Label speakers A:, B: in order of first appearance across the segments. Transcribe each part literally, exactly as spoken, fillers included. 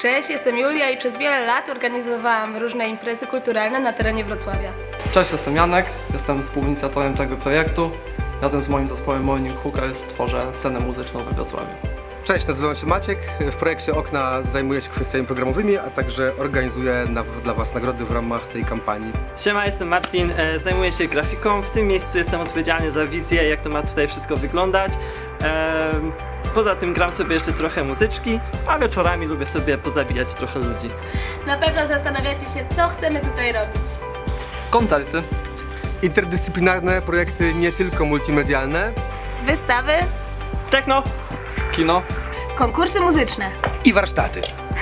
A: Cześć, jestem Julia i przez wiele lat organizowałam różne imprezy kulturalne na terenie Wrocławia.
B: Cześć, jestem Janek, jestem współinicjatorem tego projektu. Razem z moim zespołem Morning Hookers tworzę scenę muzyczną we Wrocławiu.
C: Cześć, nazywam się Maciek. W projekcie Okna zajmuję się kwestiami programowymi, a także organizuję na, dla Was nagrody w ramach tej kampanii.
D: Siema, jestem Martin, e, zajmuję się grafiką. W tym miejscu jestem odpowiedzialny za wizję, jak to ma tutaj wszystko wyglądać. E, poza tym gram sobie jeszcze trochę muzyczki, a wieczorami lubię sobie pozabijać trochę ludzi.
A: Na pewno zastanawiacie się, co chcemy tutaj robić.
B: Koncerty.
C: Interdyscyplinarne projekty, nie tylko multimedialne.
A: Wystawy.
D: Techno.
B: Kino.
A: Konkursy muzyczne.
C: I warsztaty.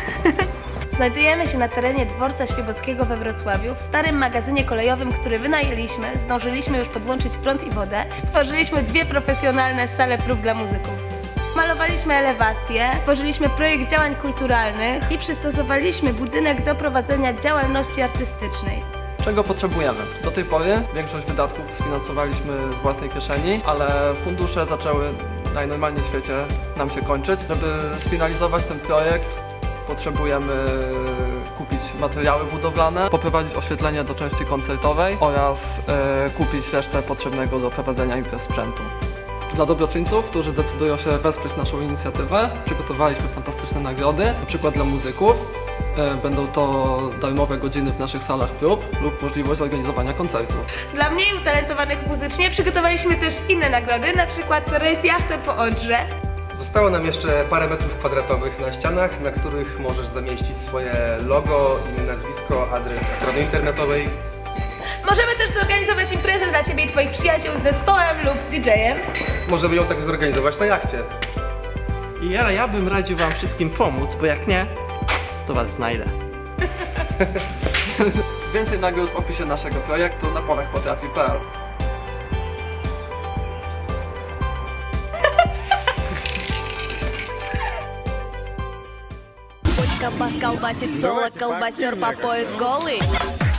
A: Znajdujemy się na terenie Dworca Świebockiego we Wrocławiu, w starym magazynie kolejowym, który wynajęliśmy. Zdążyliśmy już podłączyć prąd i wodę. Stworzyliśmy dwie profesjonalne sale prób dla muzyków. Malowaliśmy elewacje, tworzyliśmy projekt działań kulturalnych i przystosowaliśmy budynek do prowadzenia działalności artystycznej.
B: Czego potrzebujemy? Do tej pory większość wydatków sfinansowaliśmy z własnej kieszeni, ale fundusze zaczęły najnormalniej w świecie nam się kończyć. Żeby sfinalizować ten projekt, potrzebujemy kupić materiały budowlane, poprowadzić oświetlenie do części koncertowej oraz e, kupić resztę potrzebnego do prowadzenia imprez sprzętu. Dla dobroczyńców, którzy zdecydują się wesprzeć naszą inicjatywę, przygotowaliśmy fantastyczne nagrody, na przykład dla muzyków. E, będą to darmowe godziny w naszych salach prób lub możliwość zorganizowania koncertu.
A: Dla mniej utalentowanych muzycznie przygotowaliśmy też inne nagrody, na przykład rejs jachtem po Odrze.
C: Zostało nam jeszcze parę metrów kwadratowych na ścianach, na których możesz zamieścić swoje logo, imię, nazwisko, adres strony internetowej.
A: Możemy też zorganizować imprezę dla Ciebie i Twoich przyjaciół z zespołem lub didżejem.
C: Możemy ją tak zorganizować na jachcie.
D: I ja, ja bym radził Wam wszystkim pomóc, bo jak nie, to Was znajdę.
B: Więcej nagród w opisie naszego projektu na polach potrafi kropka p l.
E: Колбас колбасит соло, колбасер по пояс голый.